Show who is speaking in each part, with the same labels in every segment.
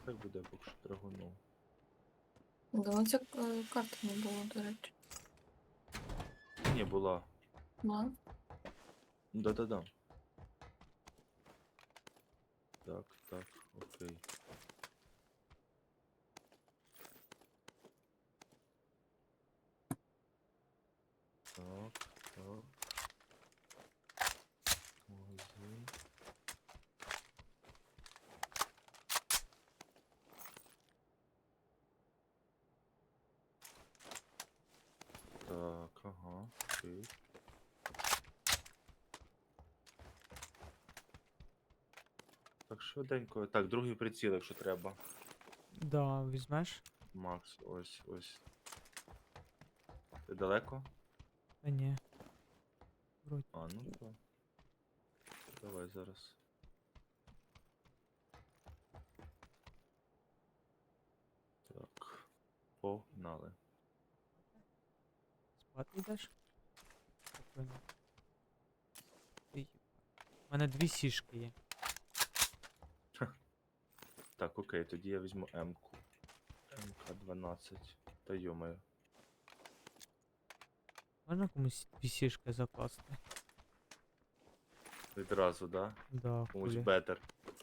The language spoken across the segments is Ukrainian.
Speaker 1: хай буде поки що драгуну.
Speaker 2: Давно ця карта не було, до речі.
Speaker 1: Ні, була.
Speaker 2: Ну,
Speaker 1: Да-да-да. Так, так, окей. Так, так. Магазин. Так, ага, окей. Так, швиденько. Так, другий приціл, якщо треба.
Speaker 3: Да, візьмеш?
Speaker 1: Макс, ось, ось. Ти далеко?
Speaker 3: Та ні. Вроді.
Speaker 1: А, ну то. Давай зараз. Так. Погнали.
Speaker 3: Спати йдеш? Спокійно. Ей, у мене 2 сішки є.
Speaker 1: Так, окей, тоді я візьму М-ку. МК-12. Та йомаю.
Speaker 3: Можна комусь 2 сішки закласти?
Speaker 1: Відразу, да?
Speaker 3: Да,
Speaker 1: Комусь
Speaker 3: хулі.
Speaker 1: бетер.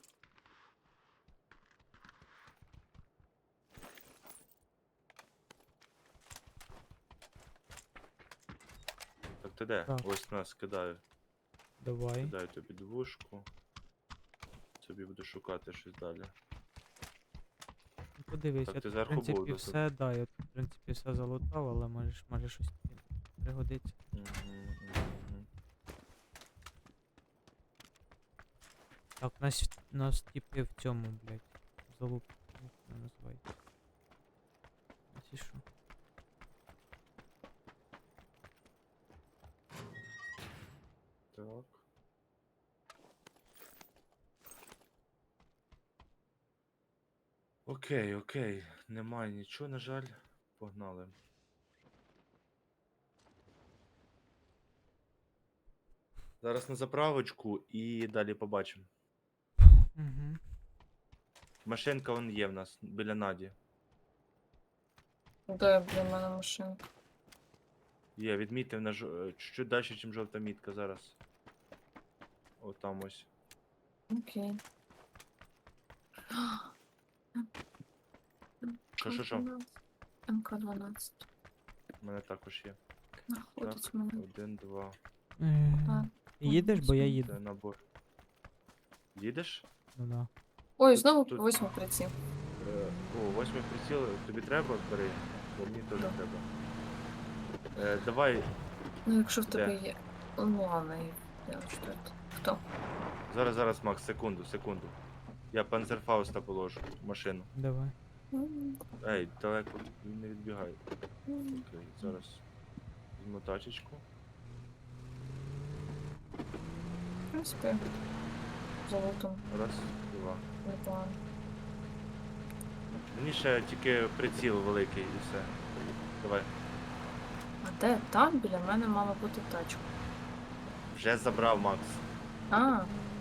Speaker 1: Так ти де?
Speaker 3: Так.
Speaker 1: Ось нас кидаю.
Speaker 3: Давай.
Speaker 1: Кидаю тобі двушку. Собі буду шукати щось далі.
Speaker 3: Ну, подивись,
Speaker 1: Так,
Speaker 3: я
Speaker 1: ти
Speaker 3: тут, в
Speaker 1: зверху
Speaker 3: принципі,
Speaker 1: був,
Speaker 3: все, да, я тут, в принципі, все залутав, але може щось тобі пригодиться.
Speaker 1: Мгм.
Speaker 3: Так, нас типи в цьому, блядь, залуп, як вона називається. Ці що?
Speaker 1: Так. Окей, окей. Немає нічого, на жаль. Погнали. Зараз на заправочку і далі побачимо.
Speaker 3: Угу.
Speaker 1: Машинка вон є в нас біля Наді.
Speaker 2: де, блін, в мене машинка.
Speaker 1: Є, відмітив на чуть-чуть далі, ніж жовта мітка зараз. О, там ось.
Speaker 2: Окей.
Speaker 1: Що?
Speaker 2: МК-12.
Speaker 1: У мене також є.
Speaker 2: Знаходить
Speaker 1: Так,
Speaker 2: мене.
Speaker 1: 1, 2.
Speaker 2: Так.
Speaker 3: Їдеш, бо я
Speaker 2: Це
Speaker 3: їду.
Speaker 1: Це набор. Їдеш?
Speaker 3: Ну да.
Speaker 2: Ой,
Speaker 1: Тут-
Speaker 2: знову
Speaker 1: тут-
Speaker 2: 8 приціл.
Speaker 1: О, 8 приціл. Тобі треба? Бери. Бо мені теж
Speaker 2: Да.
Speaker 1: треба. Давай.
Speaker 2: Ну, якщо в
Speaker 1: Де?
Speaker 2: тебе є. Ну, ладно, я четверту. Хто?
Speaker 1: Зараз, Макс, секунду. Я панцерфауста положу в машину.
Speaker 3: Давай.
Speaker 1: Ей, далеко не відбігай. Окей, зараз візьму тачечку.
Speaker 2: В принципі, золотом
Speaker 1: Раз, два.
Speaker 2: непогано.
Speaker 1: Мені ще тільки приціл великий і все. Давай.
Speaker 2: А де? Там біля мене мала бути тачка.
Speaker 1: Вже забрав, Макс.
Speaker 2: А,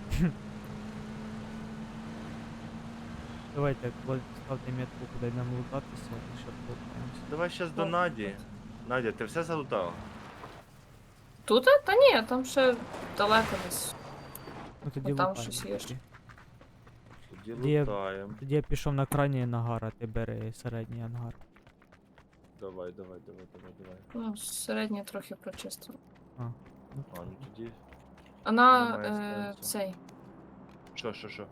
Speaker 3: Давайте, ставте метку, куди нам лутатися, і ще полутаємося.
Speaker 1: Давай щас до
Speaker 2: Ну,
Speaker 1: Наді. Надя, ти все залутала?
Speaker 2: тут? Та ні, там ще далеко десь.
Speaker 3: Ну тоді
Speaker 2: Ну, там
Speaker 3: лутаємо.
Speaker 2: щось є.
Speaker 3: тоді.
Speaker 1: Тоді
Speaker 3: Тоді я-
Speaker 1: лутаємо.
Speaker 3: Тоді я пішов на крайній ангар, а ти бери середній ангар.
Speaker 1: Давай.
Speaker 2: Ну, середнє трохи прочистила.
Speaker 3: Ну,
Speaker 1: А, ну тоді.
Speaker 2: Вона
Speaker 1: Немає сенсу.
Speaker 2: цей.
Speaker 1: Що?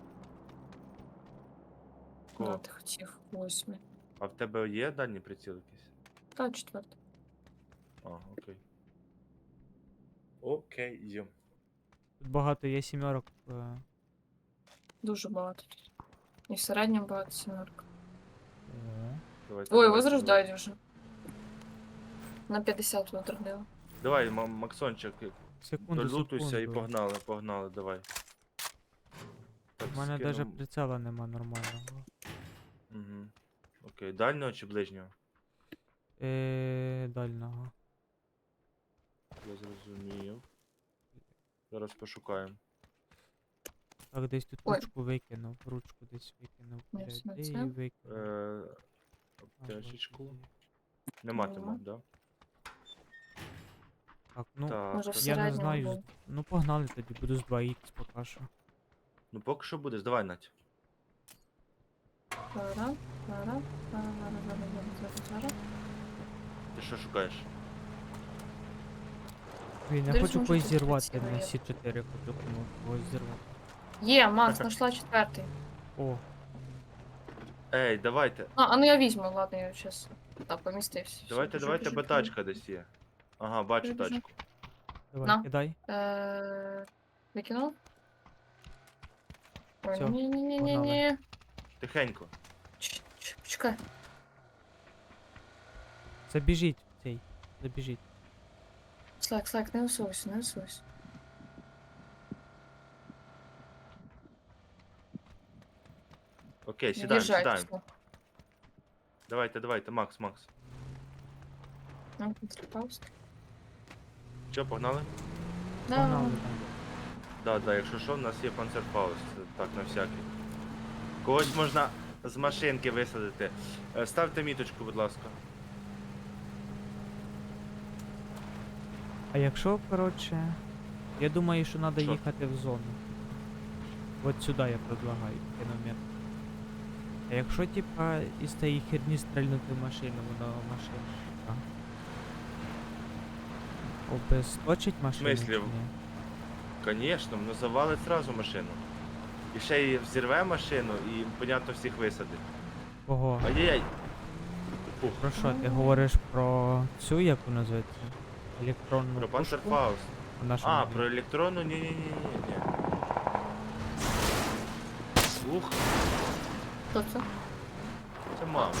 Speaker 2: Да,
Speaker 1: Кого?
Speaker 2: ти хотів 8.
Speaker 1: А в тебе є дальній приціл якийсь?
Speaker 2: Та 4.
Speaker 1: А, окей. Окей.
Speaker 3: тут багато є сімерок.
Speaker 2: Дуже багато тут. І в середньому багато сімерок.
Speaker 1: Давай,
Speaker 2: Ой, возрождають вже. На 50 возродила.
Speaker 1: Давай, Максончик,
Speaker 3: Секунду,
Speaker 1: долутуйся і
Speaker 3: секунду.
Speaker 1: погнали, давай. Так,
Speaker 3: У мене
Speaker 1: скину-
Speaker 3: навіть прицела нема нормального.
Speaker 1: Мгм. Окей, дальнього чи ближнього?
Speaker 3: Дальнього.
Speaker 1: Я зрозумів. Зараз пошукаємо.
Speaker 3: Так, десь тут
Speaker 2: Ой.
Speaker 3: ручку викинув, ручку десь викинув.
Speaker 2: Ні,
Speaker 3: Блядь,
Speaker 2: це
Speaker 3: де
Speaker 2: це.
Speaker 3: її викинув?
Speaker 1: Аптечечку.
Speaker 3: Господи.
Speaker 1: Нема ти
Speaker 2: Нема.
Speaker 1: мав, да?
Speaker 3: Так, ну,
Speaker 1: Так,
Speaker 2: Може, в
Speaker 1: так.
Speaker 3: я не
Speaker 2: середньому
Speaker 3: знаю.
Speaker 2: був.
Speaker 3: Ну погнали тоді, буду з 2х поки що.
Speaker 1: Ну поки що буде, давай, Надь.
Speaker 2: Зараз, зараз, зараз, зараз.
Speaker 1: Ти що шукаєш?
Speaker 3: Блін, я
Speaker 2: Десь
Speaker 3: хочу
Speaker 2: може
Speaker 3: когось
Speaker 2: тут
Speaker 3: зірвати
Speaker 2: приціли
Speaker 3: на
Speaker 2: є.
Speaker 3: Сі 4, хочу когось зірвати.
Speaker 2: Є, Макс, знайшла четвертий.
Speaker 3: О,
Speaker 1: Ей, давайте.
Speaker 2: А ну я візьму, ладно, я зараз. Так, помістився. Все,
Speaker 1: Давайте,
Speaker 2: біжу,
Speaker 1: давайте,
Speaker 2: біжу,
Speaker 1: бо
Speaker 2: біжу.
Speaker 1: тачка десь є. Ага, бачу
Speaker 2: Біжу, біжу.
Speaker 1: тачку.
Speaker 3: давай,
Speaker 2: На.
Speaker 3: кидай.
Speaker 2: Викинув? Ой,
Speaker 3: Всё,
Speaker 2: ні-ні-ні-ні-ні.
Speaker 1: Тихенько.
Speaker 2: Чекай.
Speaker 3: Забіжіть в цей. Забіжіть.
Speaker 2: Слайк, не усуйся, не усуйся.
Speaker 1: Окей,
Speaker 2: Не
Speaker 1: сідаємо,
Speaker 2: їжджай,
Speaker 1: сідаємо.
Speaker 2: все.
Speaker 1: Давайте, давайте, Макс, Макс.
Speaker 2: Ну, підстріпався.
Speaker 1: Що, погнали?
Speaker 2: Да.
Speaker 3: Погнали,
Speaker 1: Да, да, якщо що, в нас є панцерфауст, так, на всякий. Когось можна з машинки висадити. Ставте міточку, будь ласка.
Speaker 3: А якщо, коротше, я думаю, що треба
Speaker 1: Що?
Speaker 3: їхати в зону. От сюди я предлагаю кіномет. А якщо, типа, із тієї херні стрельнути в машину, воно машина. така. Обесточить машину?
Speaker 1: смислі?
Speaker 3: чи ні?
Speaker 1: Конечно, воно завалить зразу машину. І ще й взірве машину і, понятно, всіх висадить.
Speaker 3: Кого?
Speaker 1: Ай-яй-яй. Фух,
Speaker 3: Про що? Ти говориш про цю, як вона називається? Електронну
Speaker 1: про
Speaker 3: пушку?
Speaker 1: панцерфауст.
Speaker 3: Вона що
Speaker 1: А,
Speaker 3: робить?
Speaker 1: про електронну? Ні-ні-ні-ні. Ух,
Speaker 2: Хто це?
Speaker 1: це мама.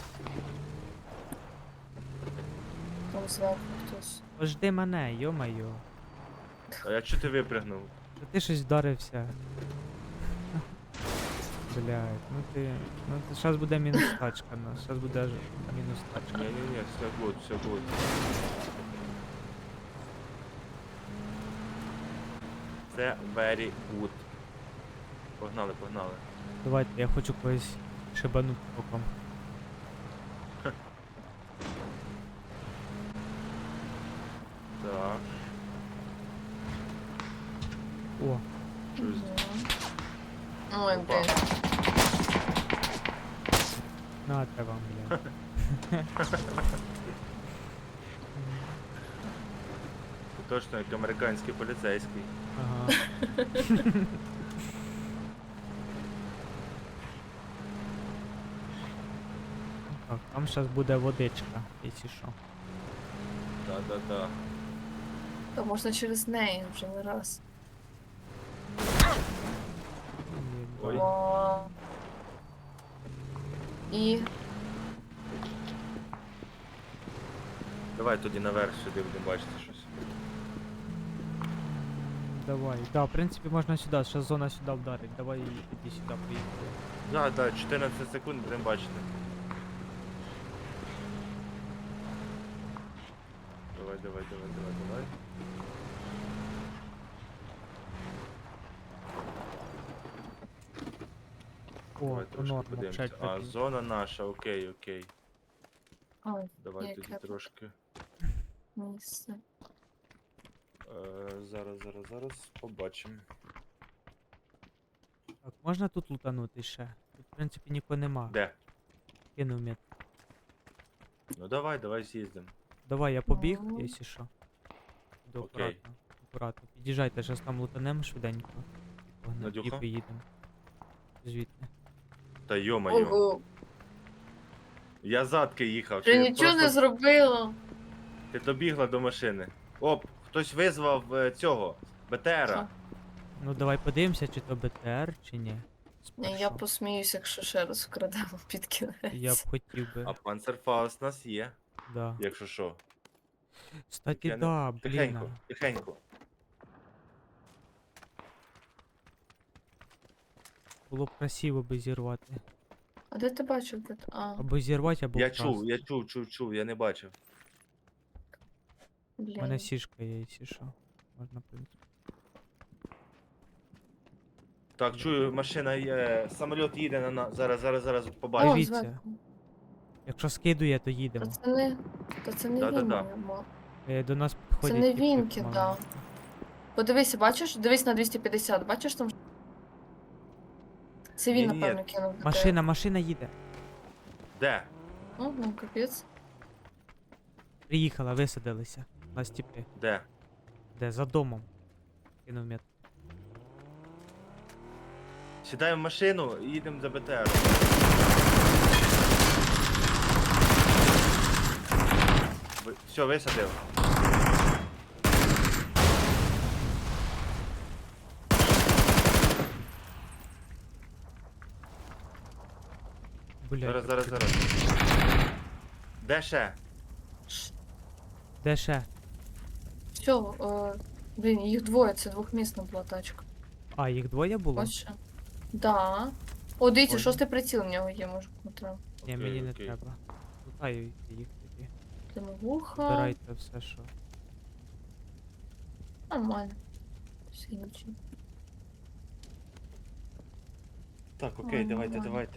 Speaker 2: Там зверху хтось.
Speaker 3: Пожди мене, йо-майо.
Speaker 1: А я чого ти випригнув?
Speaker 3: Та ти щось вдарився. Блядь, ну ти зараз буде мінус тачка, ну, зараз буде ж мінус тачка.
Speaker 1: Ні-ні-ні, все гуд, все гуд. Це very good. Погнали, погнали.
Speaker 3: Давайте, я хочу когось шибанути током.
Speaker 1: Так,
Speaker 3: О,
Speaker 1: щось.
Speaker 2: Ой,
Speaker 1: Опа.
Speaker 2: блін.
Speaker 3: нате вам, блядь.
Speaker 1: Це точно як американський поліцейський.
Speaker 3: Ага. Так, там зараз буде водичка, якщо що.
Speaker 1: Да-да-да.
Speaker 2: То можна через неї вже не раз.
Speaker 1: Ой.
Speaker 2: О. І
Speaker 1: Давай тоді наверх сюди будемо бачити щось.
Speaker 3: Давай. Да, в принципі можна сюди, зараз зона сюди вдарить. Давай тоді сюди поїхали.
Speaker 1: Да, да, 14 секунд будемо бачити. Давай, давай, давай, давай, давай.
Speaker 3: О,
Speaker 1: Давай
Speaker 3: то
Speaker 1: трошки
Speaker 3: норма,
Speaker 1: подивимося.
Speaker 3: вчать
Speaker 1: А, зона наша, окей, окей.
Speaker 2: ой,
Speaker 1: Давай
Speaker 2: Яке
Speaker 1: тоді
Speaker 2: б-
Speaker 1: трошки.
Speaker 2: місце.
Speaker 1: Зараз побачимо.
Speaker 3: Так, можна тут лутанути ще? Тут, в принципі, нікого нема.
Speaker 1: Де?
Speaker 3: Кинув мет.
Speaker 1: Ну давай з'їздимо.
Speaker 3: Давай, я побіг,
Speaker 2: Ну.
Speaker 3: якщо що. Іду
Speaker 1: Окей.
Speaker 3: акуратно. Акуратно. Під'їжджайте, зараз там лутанемо швиденько. Погнали, і
Speaker 1: Надюха?
Speaker 3: поїдемо. Звідти.
Speaker 1: Та йо-моє.
Speaker 2: Ого,
Speaker 1: Я задки їхав.
Speaker 2: ти
Speaker 1: чи
Speaker 2: нічого не
Speaker 1: просто
Speaker 2: зробила.
Speaker 1: Ти добігла до машини. Оп, хтось визвав цього. БТРа.
Speaker 2: Що?
Speaker 3: Ну давай подивимося, чи то БТР, чи ні.
Speaker 2: Ні, я
Speaker 3: Спершу.
Speaker 2: посміюся, якщо ще раз вкрадемо під кінець.
Speaker 3: Я б хотів би.
Speaker 1: А панцерфауст у нас є,
Speaker 3: Да.
Speaker 1: якщо що.
Speaker 3: Кстати,
Speaker 1: я не-
Speaker 3: да, блін.
Speaker 1: Тихенько, тихенько.
Speaker 3: Було б красиво би зірвати.
Speaker 2: А де ти бачив?
Speaker 3: Або зірвати, або
Speaker 1: Я
Speaker 3: вкрасти.
Speaker 1: чув, я не бачив.
Speaker 3: У
Speaker 2: Блін.
Speaker 3: мене сішка є, якщо що. Можна, в принципі.
Speaker 1: Так, чую, машина є. Самоліт їде на нас. Зараз
Speaker 2: О,
Speaker 1: побачу.
Speaker 3: Дивіться.
Speaker 2: зверху.
Speaker 3: Якщо скидує, то
Speaker 2: Та
Speaker 3: їдемо.
Speaker 2: це не, та це не він,
Speaker 1: Да-да-да.
Speaker 2: маємо.
Speaker 3: До нас підходять.
Speaker 2: не
Speaker 3: типи
Speaker 2: він кидав.
Speaker 3: помаленьку.
Speaker 2: Подивися, бачиш? Дивись на 250, бачиш там? Це він,
Speaker 1: Ні-ні-ні.
Speaker 2: напевно, кинув. до тебе.
Speaker 3: Машина їде.
Speaker 1: Де?
Speaker 2: О, ну капець.
Speaker 3: Приїхала, висадилися. На стіпи.
Speaker 1: Де?
Speaker 3: Де? За домом. Кинув мет.
Speaker 1: Сідаємо в машину і їдемо за БТР. Все, висадив.
Speaker 3: Блядь.
Speaker 1: Зараз. Де ще?
Speaker 3: Де ще?
Speaker 2: Все, блін, їх двоє, це двохмісна була тачка.
Speaker 3: А, їх двоє було?
Speaker 2: Ось ще. Да. О, дивіться,
Speaker 3: Ой.
Speaker 2: шостий приціл в нього є, може, Дмитро.
Speaker 3: Ні,
Speaker 1: Окей,
Speaker 3: мені не
Speaker 1: окей.
Speaker 3: треба. Лутаю їх тоді.
Speaker 2: Димовуха.
Speaker 3: Збирайте все, що.
Speaker 2: Нормально. Все нічого.
Speaker 1: Так, окей,
Speaker 2: Ой,
Speaker 1: давайте.
Speaker 2: нормально.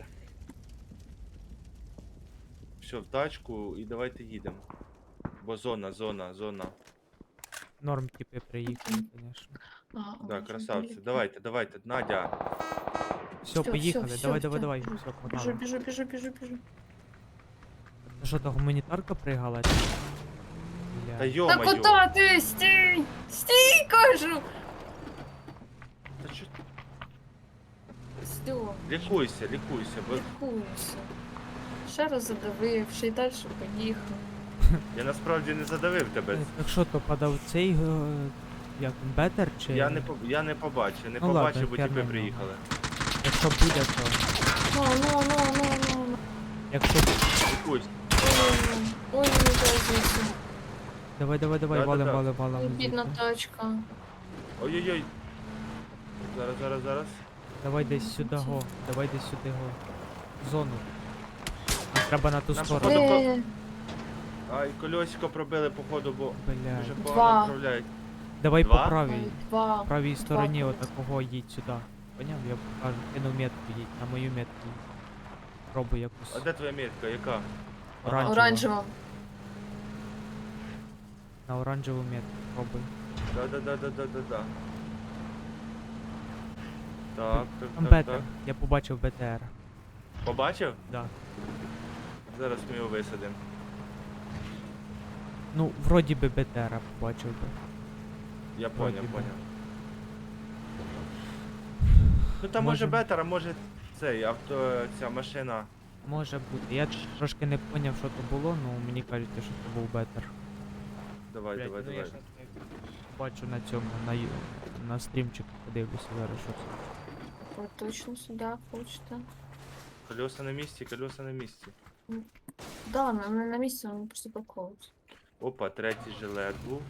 Speaker 1: Все, в тачку і давайте їдемо. Бо зона.
Speaker 3: Норм типи приїхали, звісно.
Speaker 1: Так, красавці. Давайте, Надя.
Speaker 3: Все,
Speaker 2: Всё,
Speaker 3: поїхали.
Speaker 2: всё,
Speaker 3: Давай.
Speaker 2: всё.
Speaker 3: Все, погнали.
Speaker 2: Біжу.
Speaker 3: Це що, то гуманітарка пригала?
Speaker 1: Та
Speaker 3: Бля.
Speaker 2: Та
Speaker 1: йо-моє.
Speaker 2: куди ти? Стій! Стій, кажу!
Speaker 1: Та чо-
Speaker 2: Все,
Speaker 1: Лікуйся, бо
Speaker 2: лікуюся. Ще раз задавив, ще й далі поїхав.
Speaker 1: я насправді не задавив тебе.
Speaker 3: Так що то падав цей, як він, бетер чи...
Speaker 1: Я не побачив,
Speaker 3: Ну ладно,
Speaker 1: бо
Speaker 3: хер
Speaker 1: тіпи
Speaker 3: нема.
Speaker 1: приїхали.
Speaker 3: Якщо буде, то...
Speaker 2: Ну.
Speaker 3: Якщо...
Speaker 1: Лікуйся.
Speaker 2: Ой, не дай звідси.
Speaker 3: Давай,
Speaker 1: Да-да-да.
Speaker 3: валим
Speaker 2: Бідна
Speaker 3: звідти.
Speaker 2: тачка.
Speaker 1: Ой-ой-ой. Зараз.
Speaker 3: Давай десь сюди го. В зону. Нам треба на ту
Speaker 1: Нам
Speaker 3: сторону.
Speaker 1: походу- Ай, колесико пробили, походу, бо
Speaker 3: Бля.
Speaker 1: дуже
Speaker 2: Два.
Speaker 1: погано направляють.
Speaker 3: Давай
Speaker 1: Два?
Speaker 3: по правій.
Speaker 2: Два.
Speaker 3: Правій стороні
Speaker 2: Два.
Speaker 3: отакого їдь сюди. Поняв? Я покажу. Кинув метку їдь. На мою метку їдь. Пробуй якусь.
Speaker 1: А де твоя метка? Яка?
Speaker 3: Оранжева.
Speaker 2: Оранжева.
Speaker 3: На оранжеву метку пробуй.
Speaker 1: Да. Так.
Speaker 3: Там БТР. Я побачив БТР.
Speaker 1: Побачив?
Speaker 3: Да.
Speaker 1: Зараз ми його висадимо.
Speaker 3: Ну, вроді би БТР побачив би.
Speaker 1: Я
Speaker 3: Вроді
Speaker 1: поняв.
Speaker 3: би.
Speaker 1: Ну там може
Speaker 3: Можем.
Speaker 1: бетер, а може цей ця машина.
Speaker 3: Може бути. Я трошки не поняв, що то було, ну мені кажеться, що це був БТР.
Speaker 1: Давай.
Speaker 3: ну, Я щас бачу на цьому, на стрімчику подивлюся зараз, що це.
Speaker 2: Ви точно сюди хочете?
Speaker 1: Колеса на місці.
Speaker 2: Да, не на місці, вони просто парковуються.
Speaker 1: Опа, третій жилет був.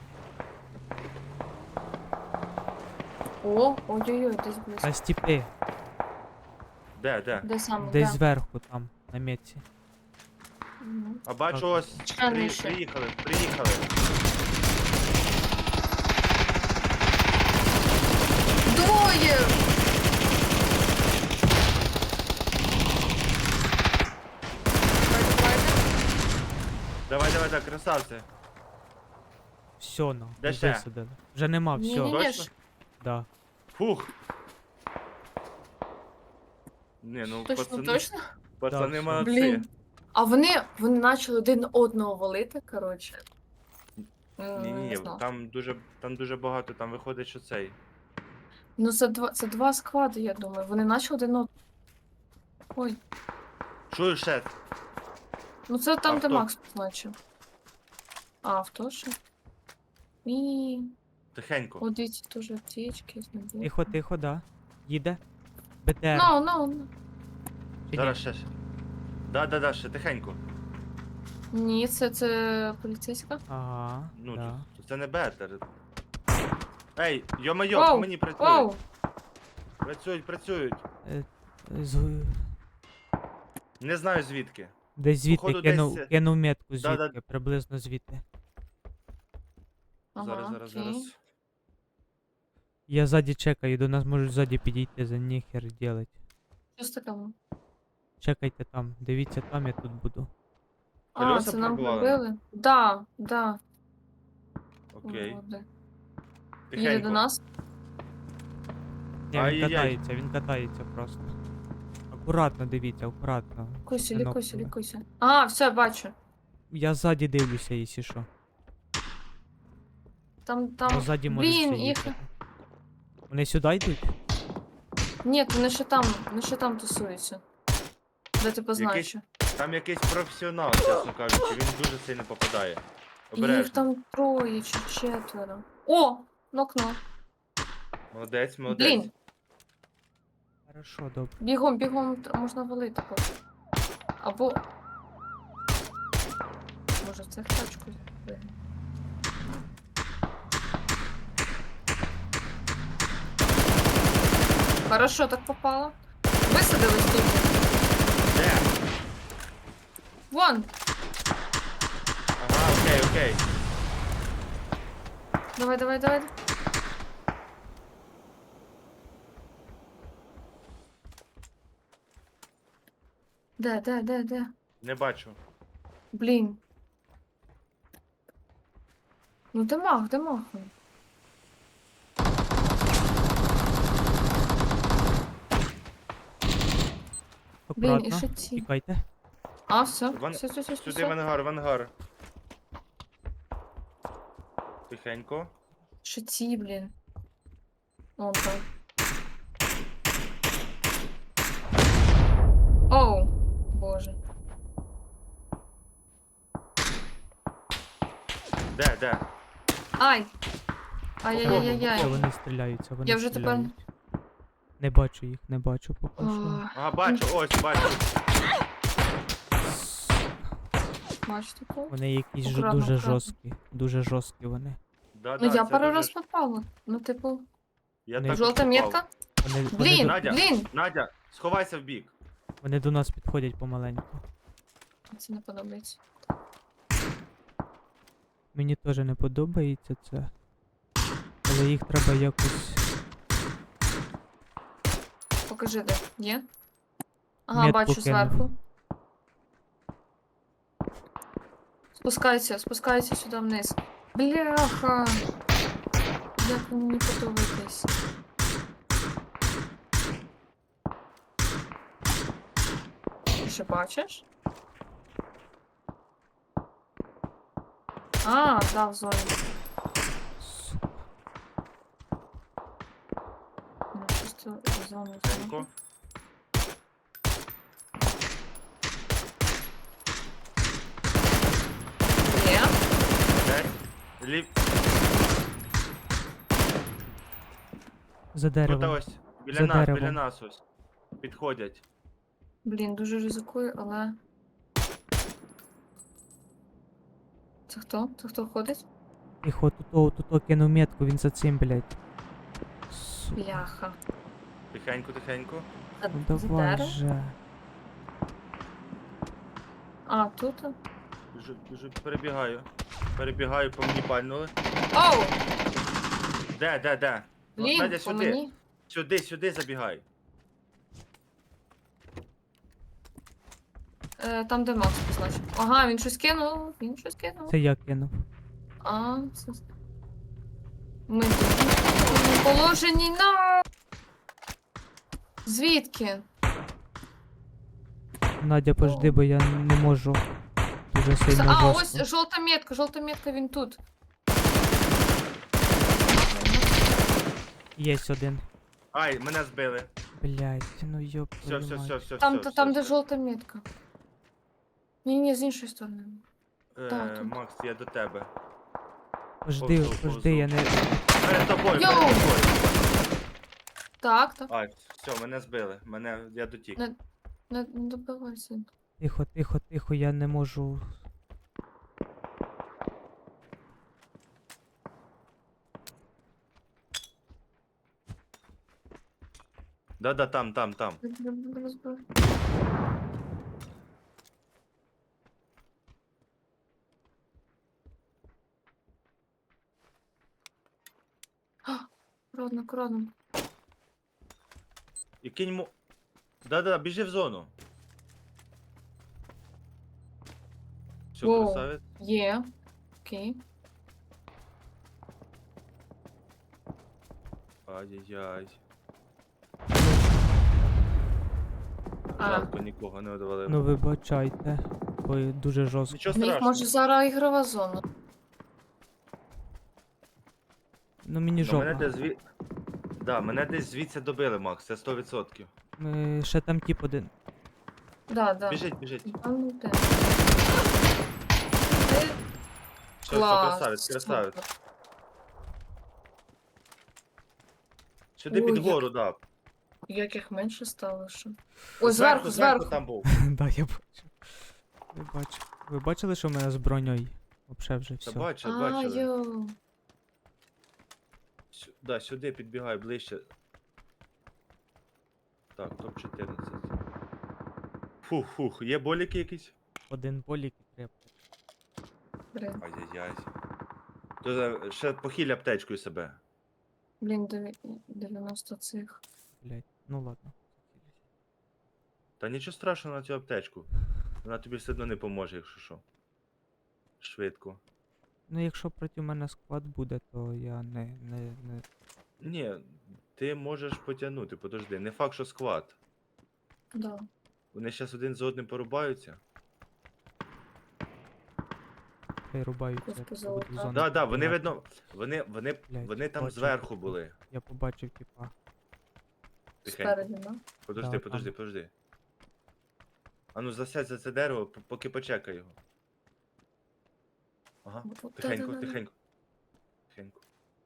Speaker 2: О, ой-ой-ой, десь близько.
Speaker 3: На стіпи,
Speaker 1: Де?
Speaker 2: Де саме?
Speaker 3: десь
Speaker 2: де?
Speaker 3: зверху там, на метці.
Speaker 2: Мгм.
Speaker 1: А бачу
Speaker 3: Так.
Speaker 1: ось.
Speaker 2: Чекай, нижче.
Speaker 1: Приїхали.
Speaker 2: Двоє!
Speaker 1: Давай, красавці.
Speaker 3: Все, ну,
Speaker 1: Де ще?
Speaker 3: висадили. Вже нема, все.
Speaker 2: Ні-ні-ні,
Speaker 1: Точно?
Speaker 2: ж,
Speaker 3: Да.
Speaker 1: Фух. Не, ну
Speaker 2: точно.
Speaker 1: пацани
Speaker 3: Так,
Speaker 1: молодці.
Speaker 2: Блін. А вони почали один одного валити, коротше. Не
Speaker 1: Ні,
Speaker 2: знаю.
Speaker 1: там дуже багато, там виходить, що цей.
Speaker 2: Ну, це два склади, я думаю. Вони почали один одного. Ой,
Speaker 1: Чую ще.
Speaker 2: ну це там, де
Speaker 1: Авто.
Speaker 2: Макс позначив. А, авто ще. І
Speaker 1: Тихенько.
Speaker 2: от дивіться, теж аптечки, знайду.
Speaker 3: Тихо, да. Їде. БТР.
Speaker 2: Ну.
Speaker 3: Чи ні?
Speaker 1: Зараз ще. Да, ще тихенько.
Speaker 2: Ні, це поліцейська.
Speaker 3: Ага,
Speaker 1: Ну,
Speaker 3: да.
Speaker 1: це не бетер. Ей, йо-майо,
Speaker 2: Вау,
Speaker 1: по мені працюють.
Speaker 2: Оу!
Speaker 1: Працюють.
Speaker 3: З-
Speaker 1: Не знаю звідки.
Speaker 3: Десь звідти
Speaker 1: Походу,
Speaker 3: кинув,
Speaker 1: десь-
Speaker 3: кинув метку
Speaker 1: Да-да.
Speaker 3: звідки, приблизно звідти.
Speaker 2: Ага,
Speaker 1: Зараз.
Speaker 2: окей.
Speaker 3: Я ззаді чекаю, до нас можуть ззаді підійти, за ніхер делать.
Speaker 2: Що з таким?
Speaker 3: Чекайте там, дивіться там, я тут буду.
Speaker 2: А,
Speaker 1: Колеса
Speaker 2: це нам
Speaker 1: пробивали?
Speaker 2: пробили? Да, да.
Speaker 1: Окей.
Speaker 2: Уроди. Їде
Speaker 1: Тихенько.
Speaker 2: до нас.
Speaker 3: Ні,
Speaker 1: Ай-яй-яй.
Speaker 3: він катається просто. Акуратно дивіться, акуратно.
Speaker 2: Лікуйся,
Speaker 3: щоб не
Speaker 2: лікуйся,
Speaker 3: нокнули.
Speaker 2: лікуйся. А, все, бачу.
Speaker 3: Я ззаді дивлюся, якщо що.
Speaker 2: Там,
Speaker 3: Бо
Speaker 2: там.
Speaker 3: ззаді можуть
Speaker 2: Блін,
Speaker 3: всі
Speaker 2: їх.
Speaker 3: їхати. Вони сюди йдуть?
Speaker 2: Ні, вони ще там тусуються. Де ти позначив?
Speaker 1: Там якийсь професіонал, чесно кажучи, він дуже сильно попадає.
Speaker 2: Їх
Speaker 1: Обережно.
Speaker 2: там троє чи четверо. О! Нокно.
Speaker 1: Молодець, молодець.
Speaker 2: Блін,
Speaker 3: Хорошо, добре.
Speaker 2: бігом, бігом можна валити поки. Або. Може, в цих тачку. Хорошо, так попало. Висадились тут.
Speaker 1: Де?
Speaker 2: Вон!
Speaker 1: Ага, окей, окей.
Speaker 2: Давай, давай, давай. Де?
Speaker 1: Не бачу.
Speaker 2: Блін. Ну де мах, де мах? Блін, і
Speaker 3: Акуратно.
Speaker 2: ще ці.
Speaker 3: Тікайте.
Speaker 2: А, все.
Speaker 1: Вон-
Speaker 2: Все.
Speaker 1: Сюди в ангар, в ангар. Тихенько.
Speaker 2: Ще ці, блін. Вон там. Оу, боже.
Speaker 1: Де?
Speaker 2: Ай!
Speaker 3: Що
Speaker 2: Ай-яй-яй-яй.
Speaker 3: вони стріляються, вони
Speaker 2: Я вже тепер.
Speaker 3: стріляють. Не бачу їх, не бачу поки що.
Speaker 2: Ох,
Speaker 1: Ага, бачу, ось, бачу.
Speaker 2: бачу таке.
Speaker 3: Вони якісь
Speaker 2: Акуратно,
Speaker 3: дуже
Speaker 2: акуратно.
Speaker 3: жорсткі. Дуже жорсткі вони.
Speaker 1: Да,
Speaker 2: Ну я
Speaker 1: це
Speaker 2: пару
Speaker 1: дуже
Speaker 2: раз
Speaker 1: ж-
Speaker 2: попала. Ну, типу,
Speaker 1: Я
Speaker 3: Не-
Speaker 1: також
Speaker 2: жовта
Speaker 1: попав.
Speaker 2: метка.
Speaker 3: Вони
Speaker 2: Блін,
Speaker 1: Надя.
Speaker 2: блін.
Speaker 1: Надя, сховайся в бік.
Speaker 3: Вони до нас підходять помаленьку.
Speaker 2: Це не подобається.
Speaker 3: Мені теж не подобається це. Але їх треба якось.
Speaker 2: Покажи, де. Є? Ага,
Speaker 3: Метку
Speaker 2: бачу
Speaker 3: кинув.
Speaker 2: зверху. Спускайся сюди вниз. Бляха! Як ви мені подобаєтесь. Ти ще бачиш? А, да, в зоні.
Speaker 3: Сука.
Speaker 2: Ну, чисто в зону.
Speaker 1: Тихенько.
Speaker 2: Є.
Speaker 1: Де? Ліп.
Speaker 3: За
Speaker 1: Тут
Speaker 3: деревом.
Speaker 1: ось. Біля
Speaker 3: За
Speaker 1: нас, біля
Speaker 3: деревом.
Speaker 1: нас ось. Підходять.
Speaker 2: Блін, дуже ризикую, але. Це хто? Це хто ходить?
Speaker 3: Тихо, тут кинув метку, він за цим, блядь. Сука.
Speaker 2: Бляха.
Speaker 1: Тихенько.
Speaker 3: Ну
Speaker 2: За
Speaker 3: давай
Speaker 2: дерево?
Speaker 3: же.
Speaker 2: А, тут?
Speaker 1: Біжу, перебігаю. Перебігаю, по мені пальнули.
Speaker 2: Оу!
Speaker 1: Де? Ну,
Speaker 2: Блін,
Speaker 1: Надя,
Speaker 2: по
Speaker 1: сюди.
Speaker 2: мені.
Speaker 1: Сюди забігай.
Speaker 2: Там, де Макс позначив. Ага, він щось кинув.
Speaker 3: Це я кинув.
Speaker 2: А, це. Ми тут в положенні на. Звідки?
Speaker 3: Надя, пожди, бо я не можу. Дуже сильно
Speaker 2: А,
Speaker 3: жорстко.
Speaker 2: ось жовта метка, він тут.
Speaker 3: Єсть один.
Speaker 1: Ай, мене збили.
Speaker 3: Блядь, ну йоп.
Speaker 1: Все,
Speaker 3: твою мать.
Speaker 2: Там, де жовта метка. Ні, з іншої сторони. Так, тут.
Speaker 1: Макс, я до тебе.
Speaker 3: Пожди,
Speaker 1: повзу.
Speaker 3: я не.
Speaker 1: Перед тобою,
Speaker 2: Йоу!
Speaker 1: перед тобою.
Speaker 2: Так.
Speaker 1: Ай, все, мене збили. Я дотік.
Speaker 2: Не добивайся.
Speaker 3: Тихо, я не можу.
Speaker 1: Да, там.
Speaker 2: Акуратно, акуратно.
Speaker 1: І кинь йому. Да-да, біжи в зону. Все,
Speaker 2: Воу.
Speaker 1: красавець.
Speaker 2: Є. Окей.
Speaker 1: Ай-яй-яй.
Speaker 2: А.
Speaker 1: Жалко, нікого не одвалив.
Speaker 3: Ну вибачайте, бо дуже жорстко.
Speaker 1: Нічого
Speaker 2: В них
Speaker 1: страшного.
Speaker 2: може зараз ігрова зона.
Speaker 3: Ну мені
Speaker 1: Ну, мене
Speaker 3: жопа.
Speaker 1: десь Да, мене десь звідси добили, Макс, це 100%.
Speaker 3: Ще там тип один.
Speaker 2: Да, да.
Speaker 1: Біжить, біжить.
Speaker 2: А ну де?
Speaker 1: Все,
Speaker 2: Клас.
Speaker 1: красавець, красавець.
Speaker 2: Супер.
Speaker 1: Сюди
Speaker 2: Ой,
Speaker 1: під гору, да.
Speaker 2: Як їх менше стало ще. Ой, зверху.
Speaker 1: там був.
Speaker 3: Да, я бачу. Я бачу. Ви бачили, що в мене з броньою? Вообще вже
Speaker 1: Та
Speaker 3: все.
Speaker 1: бачили,
Speaker 2: А,
Speaker 1: бачили.
Speaker 2: йо.
Speaker 1: Да, сюди підбігай ближче. Так, топ-14. Фух, є боліки якісь?
Speaker 3: Один болік і три аптечки.
Speaker 1: Ай-яй-яй. То ще похиль аптечкою себе.
Speaker 2: Блін, 90 цих.
Speaker 3: Блять. Ну ладно.
Speaker 1: Та нічого страшного на цю аптечку. Вона тобі все одно не поможе, якщо що. Швидко.
Speaker 3: Ну якщо проти мене склад буде, то я не.
Speaker 1: Ні, ти можеш потягнути, подожди. Не факт, що склад.
Speaker 2: Да.
Speaker 1: Вони зараз один за одним порубаються.
Speaker 3: Хай рубаються.
Speaker 2: Ось
Speaker 3: я буду
Speaker 2: позолота.
Speaker 3: в зону
Speaker 1: Да, вони
Speaker 3: підбігати.
Speaker 1: видно.
Speaker 3: Блядь,
Speaker 1: Вони там
Speaker 3: бачу,
Speaker 1: зверху
Speaker 3: типу.
Speaker 1: були.
Speaker 3: Я побачив, типа.
Speaker 1: Тихенько.
Speaker 2: Спереді, да?
Speaker 1: Подожди,
Speaker 3: Да,
Speaker 1: подожди. А ну засядь за це дерево, поки почекай його. Ага.
Speaker 2: От
Speaker 1: Тихенько,
Speaker 2: да-да-да.
Speaker 1: тихенько. Тихенько.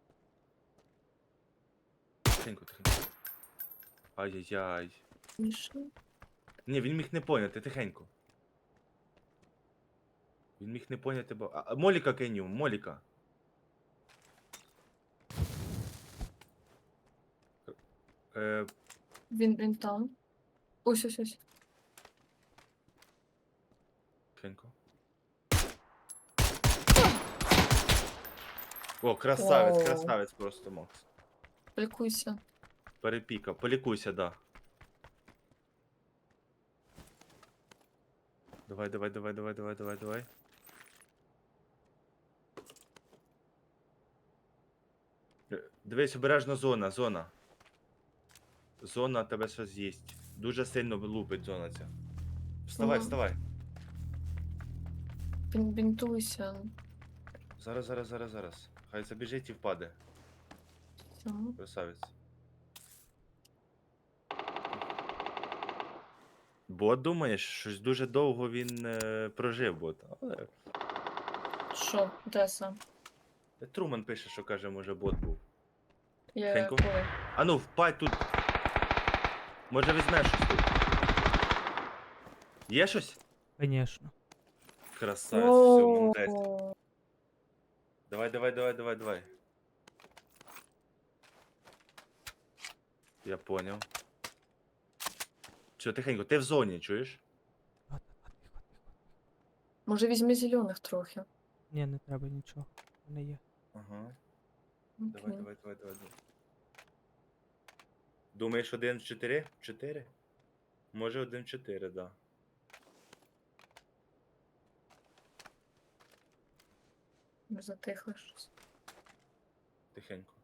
Speaker 1: Тихенько. Ай-яй-яй.
Speaker 2: Тише.
Speaker 1: Ні, він міг не поняти, тихенько. Він міг не поняти, бо. Моліка кинь йому, Моліка.
Speaker 2: Він там. Ось.
Speaker 1: Тихенько. О, красавець,
Speaker 2: Оу.
Speaker 1: красавець просто, Макс.
Speaker 2: Лікуйся.
Speaker 1: Перепіка, полікуйся, да. Давай. Дивись, обережно зона. Зона тебе щось з'їсть. Дуже сильно лупить зона ця. Вставай,
Speaker 2: Ага.
Speaker 1: вставай.
Speaker 2: Бінтуйся.
Speaker 1: Зараз. Хай забіжить і впаде.
Speaker 2: Все.
Speaker 1: Красавець. Бот, думаєш, щось дуже довго він прожив бот. Але
Speaker 2: Що? Де сам?
Speaker 1: Труман пише, що каже, може бот був.
Speaker 2: Я
Speaker 1: Тихенько.
Speaker 2: коли?
Speaker 1: А ну, впадь тут. Може візьмеш щось тут. Є щось?
Speaker 3: Конечно.
Speaker 1: Красавець, все,
Speaker 2: О,
Speaker 1: молодець. Давай. Я понял. Все, тихенько, ти в зоні, чуєш?
Speaker 3: Тихо.
Speaker 2: Може візьми зелених трохи.
Speaker 3: Ні, не треба нічого. У мене є.
Speaker 1: Ага.
Speaker 2: Окей.
Speaker 1: Давай. Думаєш 1 в 4? 4? Може 1 в 4, да.
Speaker 2: Не затихло щось.
Speaker 1: Тихенько.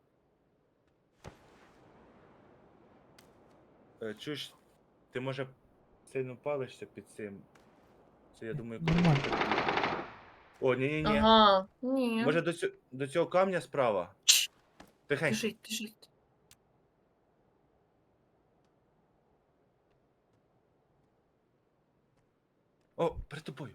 Speaker 1: Чуєш, ти може сильно палишся під цим. Це я думаю, коли.
Speaker 3: Нормально.
Speaker 1: О, ні.
Speaker 2: Ага. Ні.
Speaker 1: Може до цього камня справа? Тихенько.
Speaker 2: Біжить.
Speaker 1: О, перед тобою.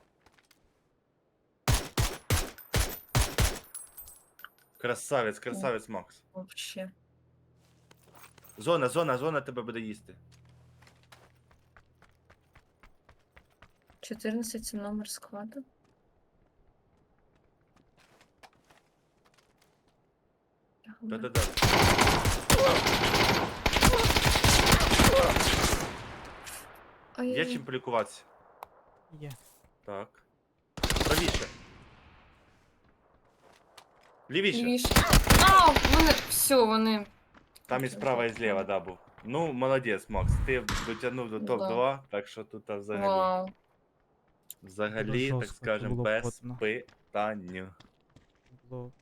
Speaker 1: Красавець, Макс.
Speaker 2: Вообще.
Speaker 1: Зона тебе буде їсти.
Speaker 2: 14 це номер складу.
Speaker 1: Да. Є чим полікуватися?
Speaker 3: Є.
Speaker 1: Так. Правіше. Лівіше.
Speaker 2: Лівіше. А, вони, все, вони.
Speaker 1: Там і справа, і зліва, да, був. Ну, молодець, Макс. Ти дотягнув до
Speaker 2: Да.
Speaker 1: топ-2, так що тут взагалі.
Speaker 2: Вау.
Speaker 1: Взагалі, так
Speaker 3: жорстко, це
Speaker 1: скажем,
Speaker 3: було
Speaker 1: без
Speaker 3: потно.
Speaker 1: питань.
Speaker 3: Було